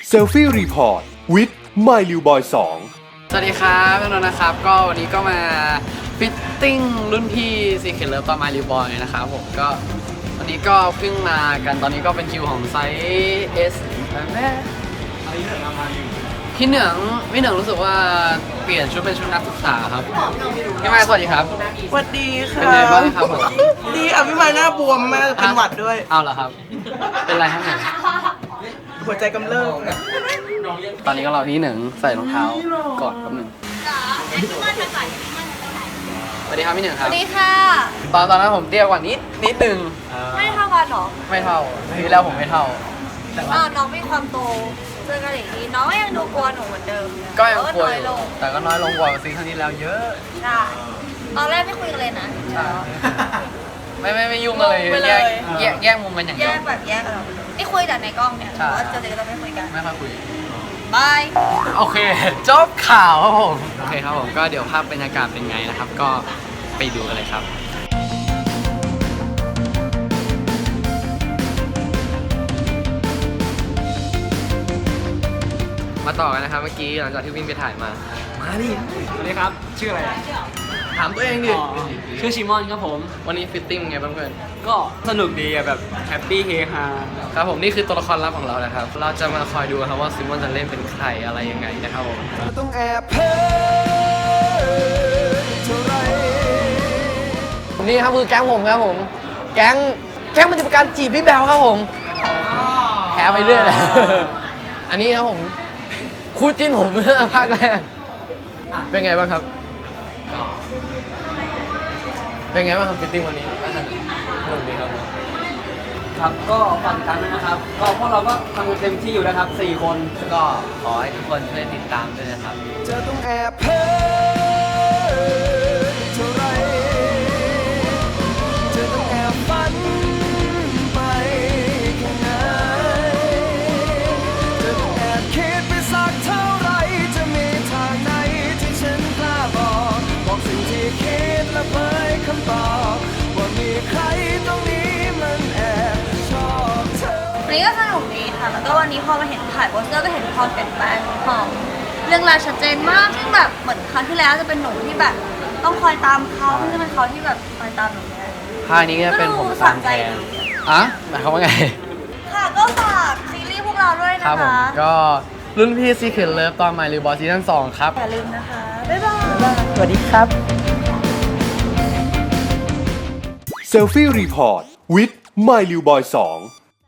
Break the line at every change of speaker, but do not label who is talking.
เซลฟี่รีพอร์ตวิด My Liu Boy 2
สวัสดีครับพี่นนท์นะครับก็วันนี้ก็มาฟิตติ้งรุ่นพี่ซีเคทเลิฟตอนมาริวบอยนะครับผมก็วันนี้ก็เพิ่งมากันตอนนี้ก็เป็นคิวของไซส์ S แม่พี่เหนืองรู้สึกว่าเปลี่ยนชุดเป็นชุดนักศึกษาครับพี่ไม้สวัสดีครับ
สวัสดีค่ะ
เป็นไงบ้างครับผม
ดีอ่ะพี่ไม้หน้าบวมมากเป็นหวัดด้วย
เอาเหรอครับ เป็นไรครับเนี่ย
หัวใจกำเริบ
ตอนนี้ก็รอพี่เหนึ่งใส่รองเท้าก่อนแป๊บหนึงสวัสดีครับพี่เหนึ่งค
ส
รับ
วัสดีค่ะ
ตอนนั้นผมเตี้ยกว่านิดนึง
ไม่เท่ากันเหรอ
ไม่เท่าปีแล้วผมไม่เท่า
น้องมีความโตเจอกันอย่างนี้น้องก็ยังดูกลัวหนูเหมือนเดิม
ก็ยังกลัว
น้
อ
อย
ยู่
ลง
แต่ก็น้อยลงกว่าซีซั่นที่แล้วเยอะ
ใช่ตอนแรกไม่คุยกันเลยนะ
ใช่ไม่ยุ่งกันเลยแยกมุมกันอย่าง
แย
เดียว
กแบบแยกกันนี่คุยแต่ในกล้องเนี่ย
ใช่
แต่ว่าเจอกันก็ไม่คุยกัน
ไม่ค่อยคุย
บาย
โอเคจบข่าวครับผมโอเคครับผมก็เดี๋ยวภาพบรรยากาศเป็นไงนะครับ ก็ไปดูกันเลยครับ มาต่อกันนะครับเมื่อกี้หลังจากที่วิ่งไปถ่ายมาดิ
สวัสดีครับ ชื่ออะไร
ถามตัวเองดิ
ชื่อชิมอนครับผม
วันนี้ฟิตติ้งไงบ้างเพื่อน
ก็สนุกดีอะแบบแฮปปี้เฮฮา
ครับผมนี่คือตัวละครลับของเรานะครับ เราจะมาคอยดูครับว่าซิมอนจะเล่นเป็นใครอะไรยังไงนะครับผม
ต้องแอบเพ้อเท่าไร
นี่ครับคือแก๊งผมครับผม แก๊งมันจะเป็นการจีบพี่แบลครับผมแพ้ไปเรื่อยเลย อันนี้ครับผมคู่จิ้นผมเมื่อภาคแรกเป็นไงบ้างครับ เป็นไงบ้างครับฟิตติ้งวันนี้สนุกดีครับ
ครับก็ฝากติดตามด้วยนะครับ ก็พวกเราก็ทำกันเต็มที่อยู่นะครับ 4 คน
ก็ขอให้ทุกคนช่วยติดตามด้วยนะครับ
จะต้องแอบเพ้อเท่าไรจะต้องแอบฝันไปแค่ไหนจะต้องแอบคิดไปสักเท่าไรจะมีทางไหนที่ฉันกล้าบอกสิ่งที่คิดและเผยคำตอบว่ามีใครตรงนี้มันแอบชอบเธอ
วันนี้ก็สนุกดีค่ะ แล้วก็วันนี้พอมาเห็นถ่ายโปสเตอร์ก็เห็นความเปลี่ยนแปลงของเรื่องราวชัดเจนมากซึ่งแบบเหมือนครั้งที่แล้วจะเป็นหนูที่แบบต้องคอยตามเขาซึ่งจะเป็นเขาที่แบบคอยตามหนูแทน
ภาคนี้ก็เป็นผมตามแทนอ่ะหมายความว่าไง
ค่ะก็ฝากซีรีส์พวกเราด้วย
ครั
นะ
บผม
คะ
ก็รุ่นพี่ Secret Love ตอน My Little Boy ซีซั่น2ครับ
อย่าลืมนะคะ บ๊ายบาย
สวัสดีครับ
เซลฟี่รีพอร์ตวิด My Liu Boy 2